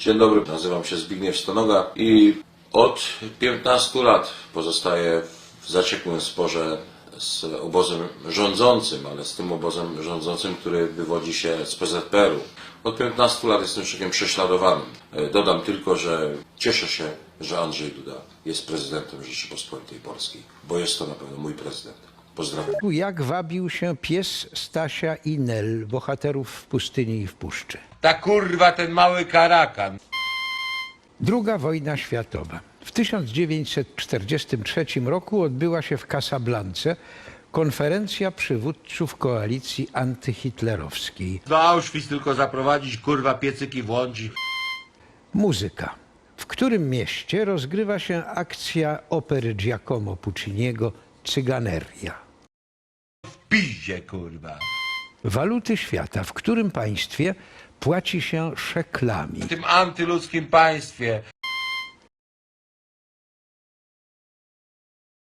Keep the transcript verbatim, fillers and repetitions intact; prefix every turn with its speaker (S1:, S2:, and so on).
S1: Dzień dobry, nazywam się Zbigniew Stonoga i od piętnastu lat pozostaję w zaciekłym sporze z obozem rządzącym, ale z tym obozem rządzącym, który wywodzi się z P Z P R u. Od piętnastu lat jestem człowiekiem prześladowanym. Dodam tylko, że cieszę się, że Andrzej Duda jest prezydentem Rzeczypospolitej Polskiej, bo jest to na pewno mój prezydent. Pozdrawiam.
S2: Jak wabił się pies Stasia i Nel, bohaterów w pustyni i w puszczy.
S3: Ta kurwa, ten mały karakan.
S2: Druga wojna światowa. W tysiąc dziewięćset czterdziestym trzecim roku odbyła się w Casablance konferencja przywódców koalicji antyhitlerowskiej.
S3: Do Auschwitz tylko zaprowadzić, kurwa, piecyki włączyć.
S2: Muzyka. W którym mieście rozgrywa się akcja opery Giacomo Pucciniego Cyganeria.
S3: W piździe, kurwa.
S2: Waluty świata. W którym państwie płaci się szeklami.
S3: W tym antyludzkim państwie